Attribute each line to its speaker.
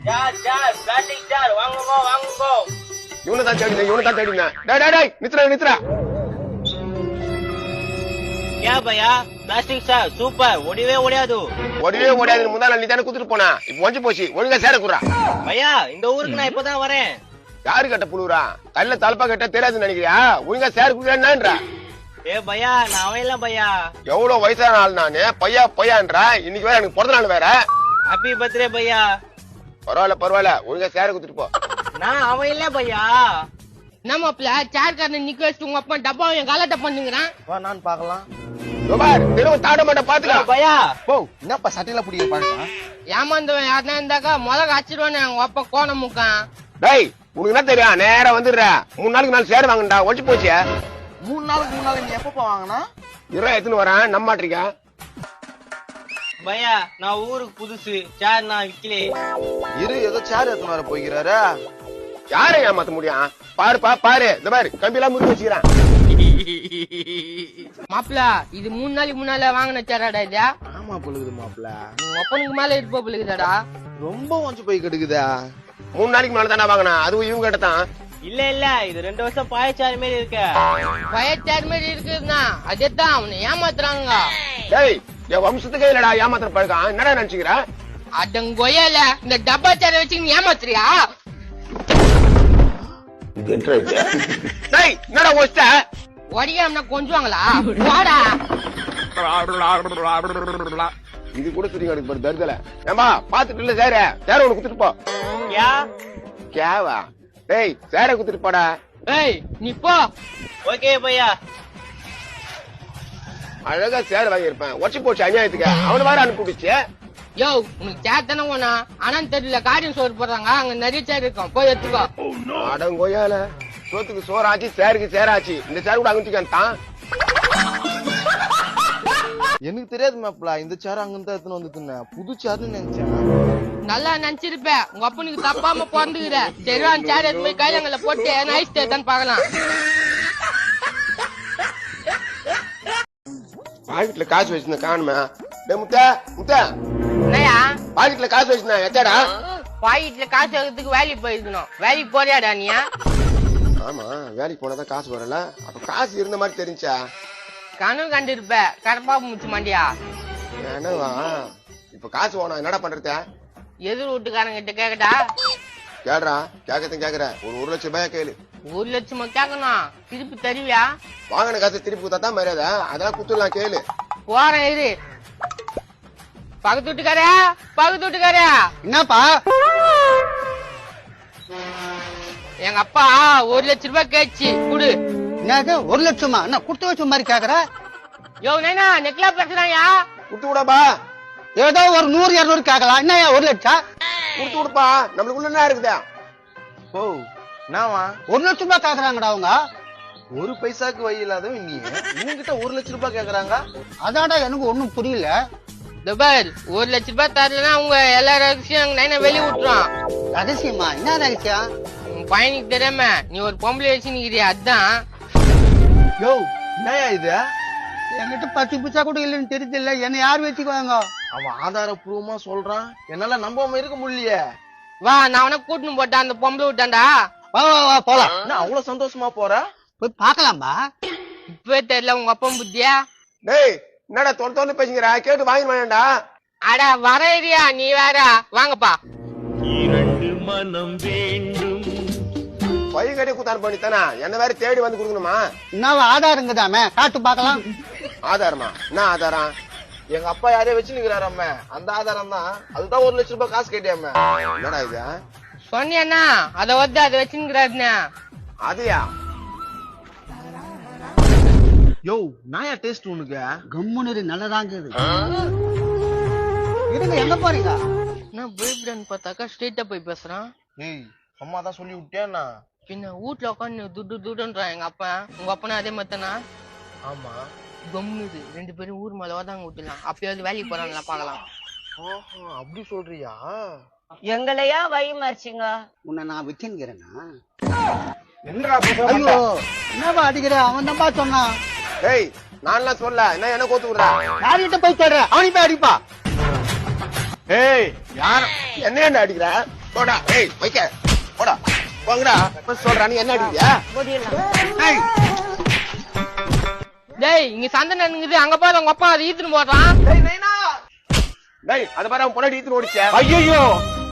Speaker 1: Sir plastic sir வாங்குங்கோ வாங்குங்கோ.
Speaker 2: இவனை தான் தேடினேன். டேய் நித்ரா.
Speaker 1: क्या भैया பிளாஸ்டிக் சார் சூப்பர் ஒடிவே ஓடாது
Speaker 2: முந்தான நீ தானே குடுத்துட்டு போனா. இப்ப ஒஞ்சி போச்சு, ஒழுங்கா சேர குடுறா.
Speaker 1: பையா இந்த ஊருக்கு நான் இப்பதான் வரேன்.
Speaker 2: யாரு கட்ட புழுவுறா? கல்ல தலப்பா கட்ட தெரியாதுன்னு நினைக்கிறியா? ஒழுங்கா சேர குடுறா.
Speaker 1: ஏ பையா நான் அவன் பையா.
Speaker 2: எவ்வளவு வயசான ஆள் நானு பையான்றா. இன்னைக்கு வேற எனக்கு பிறந்த நாள் வேற.
Speaker 1: ஹாப்பி பர்த்டே பையா.
Speaker 2: பரவாயில்ல ஒழுங்கா சேர குடுத்துட்டு போ.
Speaker 1: நான் அவன் இல்ல பையா.
Speaker 3: நம்மப்ல சேர் காரனை நிக்க வச்சுட்டு உங்க அப்பா டப்பா என் காலட்ட பண்ணுங்கிறான்.
Speaker 1: வா நான் பாக்கலாம்.
Speaker 2: திரும்ப தாட மாட்ட பாத்துக்கலாம்
Speaker 1: பையா.
Speaker 2: போ. என்னப்பா சட்டையில புடிக்க பாருங்க.
Speaker 3: ஏமாந்தவன் யாருன்னா இருந்தாக்கா முதல்ல அச்சிடுவானே உங்க அப்பா கோண முக்கான்.
Speaker 2: டேய் உனக்கு என்ன தெரியும்? நேரா வந்துடுற. 3 நாளுக்கு நாள் சேர வாங்கண்டா. ஒழிச்சு போச்சு.
Speaker 1: 3 நாளுக்கு முன்னால நீ எப்ப வாங்கினா?
Speaker 2: எத்தனை வரேன் நம்ம மாட்டிருக்க.
Speaker 1: பையா நான் ஊருக்கு புதுசு. சேர் நான் விக்கலே.
Speaker 4: ஏதோ சேர் எத்தனை வர போய்கிறாரு.
Speaker 2: யாரை ஏமாத்த முடியும்? பாரு இந்த மாதிரி கம்பியெல்லாம் முறுக்கி வச்சுக்கிறான்.
Speaker 3: மாப்பிள இது 3 நாளைக்கு முன்னால வாங்கின சேராடா இதா?
Speaker 4: ஆமா பொழுது மாப்பிள.
Speaker 3: உங்க அப்பனுக்கு மேல இருப்ப பொழுதுதாடா.
Speaker 4: ரொம்ப ஒஞ்சு போய் கெடுக்குதா.
Speaker 2: 3 நாளைக்கு மேல தானே வாங்கினா. அதுவும் இவங்க கிட்ட தான்.
Speaker 1: இல்ல இது 2 வருஷம் பாயச்சார் மாதிரி இருக்க.
Speaker 3: பயச்சார் மாதிரி இருக்குதுன்னா அதேதான் அவனை ஏமாத்துறாங்க.
Speaker 2: டேய் என் வம்சத்துக்கே இல்லடா ஏமாத்துற பழக்கம். என்னடா நினைச்சுக்கிற?
Speaker 3: அடங்கொயல இந்த டப்பா சேர வச்சு நீ ஏமாத்துறியா?
Speaker 2: டேய் என்னடா ஒஸ்ட?
Speaker 3: ஒடிக்காம கொஞ்சுவாங்களா? வாடா.
Speaker 2: இது கூட தெரியும் எனக்கு ஒரு தருதல. ஏமா பாத்துட்டு இல்ல சேர உனக்கு குடுத்துட்டு போ. கேவா டேய் சேர குடுத்துட்டு போடா.
Speaker 3: ஏய் நீ போ.
Speaker 1: ஓகே பையா.
Speaker 2: அழகா சேர வாங்கியிருப்பேன். ஒச்சு போச்சு அநியாயத்துக்கு. அவனை வேற அனுப்பிடுச்சு.
Speaker 3: யோ உனக்கு சேர் தானே போனா ஆனா தெரியல காரியம் சோறு போடுறாங்க. அங்க நிறைய சேர் இருக்கும் போய் எடுத்துக்கோ.
Speaker 2: அடங்கோயால சோத்துக்கு சோறாச்சு சேருக்கு சேராச்சு. இந்த சேர் கூட அங்கிட்டான்.
Speaker 4: எனக்கு தெரியாது மாப்பிள. இந்த சேர் அங்கிருந்தா எத்தனை வந்து புது சேர்னு நினைச்சேன்.
Speaker 3: நல்லா நினைச்சிருப்ப. உங்க அப்பனுக்கு தப்பாம பிறந்துக்கிற. சரிவான் சேர் எடுத்து போய் கைலங்கள்ல போட்டு நைஸ் தான் பாக்கலாம்.
Speaker 2: பாக்கெட்ல காசு வச்சிருந்த காணுமே. முத்த
Speaker 3: என்னையா
Speaker 2: பாக்கெட்ல காசு வச்சிருந்தேன் எச்சாடா?
Speaker 3: பாக்கெட்ல காசு வைக்கிறதுக்கு வேலைக்கு போயிருக்கணும். வேலைக்கு போறியாடா நீ?
Speaker 2: ஆமா வேலைக்கு போனாதான் காசு வரல. அப்ப காசு இருந்த மாதிரி தெரிஞ்சா
Speaker 3: கனவு கண்டிருப்ப. கரப்பா முச்சு மாண்டியா?
Speaker 2: என்னவா இப்ப காசு வேணும் என்னடா பண்றத?
Speaker 3: எதிர் வீட்டுக்காரங்க கிட்ட கேக்கட்டா?
Speaker 2: கேடுறா கேக்குற. ஒரு 1 லட்சம் ரூபாய் கேளு.
Speaker 3: 1 லட்சமா கேட்கணும். திருப்பி தருவியா?
Speaker 2: வாங்கின காசு திருப்பி கொடுத்தா தான் மரியாதை. அதெல்லாம் குத்துலாம் கேளு.
Speaker 3: போறேன் இரு. பக்கத்து வீட்டுக்காரா
Speaker 5: என்னப்பா?
Speaker 3: எங்க அப்பா 1 லட்சம் ரூபாய் கேச்சு குடு.
Speaker 5: என்னது 1 லட்சமா? என்ன குடுத்து வச்ச மாதிரி கேக்குற?
Speaker 3: யோ நைனா நெக்லா பேசுறாயா?
Speaker 2: குடுத்து விடப்பா.
Speaker 5: ஏதோ ஒரு 100 200 கேக்கலாம். என்னயா 1 லட்சம்?
Speaker 2: குடுத்து விடுப்பா. நம்மளுக்குள்ள என்ன இருக்குதா?
Speaker 4: ஓ நாவா
Speaker 5: 1 லட்சம் ரூபாய் கேக்குறாங்கடா அவங்க.
Speaker 4: ஒரு பைசாக்கு வழி இல்லாதவன் நீ இவங்கிட்ட 1 லட்சம் ரூபாய் கேக்குறாங்க.
Speaker 5: அதான்டா எனக்கு ஒண்ணும் புரியல.
Speaker 3: துபார் 1 லட்சம் ரூபாய் தரலன்னா அவங்க எல்லா ரகசியம் நைனா வெளிய விட்டுறான்.
Speaker 5: ரகசியமா? என்ன ரகசியம்?
Speaker 3: உன் பையனுக்கு தெரியாம நீ ஒரு பொம்பளை வச்சு நிக்கிறியா? அதான்.
Speaker 4: யோ என்னயா இது?
Speaker 5: என்கிட்ட 10 பைசா கூட இல்லன்னு தெரியுது. என்ன யார் வச்சுக்குவாங்க?
Speaker 4: அவன் ஆதாரப்பூர்வமா சொல்றான். என்னால நம்பாம இருக்க முடியலையே.
Speaker 3: வா நான் அவனை கூட்டின்னு போட்டான். அந்த பொம்பளை விட்டான்டா.
Speaker 5: வா போலாம்.
Speaker 4: என்ன அவ்வளவு சந்தோஷமா போற?
Speaker 5: போய் பாக்கலாம்பா.
Speaker 3: இப்பவே தெரியல உங்க அப்பா புத்தியா?
Speaker 2: டேய் என்னடா தொலை பேசுங்கிற? கேட்டு வாங்கி வேண்டாம்டா.
Speaker 3: அட வர ஏரியா நீ வேற. வாங்கப்பா.
Speaker 2: பையன் கட்டி குத்தான் பண்ணித்தானா? என்ன வேற தேடி வந்து கொடுக்கணுமா?
Speaker 5: என்ன ஆதாரங்கதாமே காட்டு பாக்கலாம்.
Speaker 2: ஆதாரமா? என்ன ஆதாரம்?
Speaker 4: எங்க அப்பா யாரையும் வச்சு நிக்கிறாராம. அந்த ஆதாரம் தான். அதுதான் 1 லட்சம் ரூபாய் காசு கேட்டியாம.
Speaker 2: என்னடா இது?
Speaker 3: சொன்னியண்ணா அதை வந்து அதை வச்சுக்கிறாருண்ணா.
Speaker 2: அதையா?
Speaker 4: யோ நாயா டேஸ்ட் உனக்கு?
Speaker 5: கம்முனு நல்லதாங்க இருங்க. எங்க போறீங்க?
Speaker 3: நான் போய்பிடான்னு பார்த்தாக்கா ஸ்ட்ரெயிட்டா போய் பேசுறான்.
Speaker 4: ஏய் அம்மா தான் சொல்லி விட்டியாண்ணா.
Speaker 3: பின்ன வீட்டுல உட்காந்து துட்டுன்றான் எங்க அப்பா. உங்க அப்பனா அதே மாதிரிதானா?
Speaker 4: ஆமா
Speaker 3: கம்முது 2 பேரும் ஊர் மேல வாதாங்க விட்டுலாம். அப்பயாவது வேலைக்கு போறாங்களா பாக்கலாம்.
Speaker 4: அப்படி சொல்றியா?
Speaker 6: எங்களையா வழி மறிச்சிங்க?
Speaker 5: உன்னை நான் விட்டுங்கிறேன்னா?
Speaker 2: என்னடா
Speaker 5: என்னப்பா அடிக்கிற? அவன் தான்ப்பா சொன்னான்.
Speaker 2: டேய் நான்லாம் சொல்ல. என்ன கோத்து விடுறா?
Speaker 5: யார்கிட்ட போய் சொல்ற? அவனி போய் அடிப்பா.
Speaker 2: ஏய் யார் என்ன அடிக்கிற? போடா ஏய் வைக்க போடா போங்கடா சொல்றா நீ என்ன அடிக்கியா
Speaker 6: முடியலாம்.
Speaker 3: டேய் இங்க சண்டை நடக்குது அங்க பாரு உங்க அப்பா அதை ஈத்துன்னு போடுறான்.
Speaker 2: டேய் அத பாரு அவன் பொண்டாட்டி ஈத்துன்னு ஓடிச்சே ஐயோ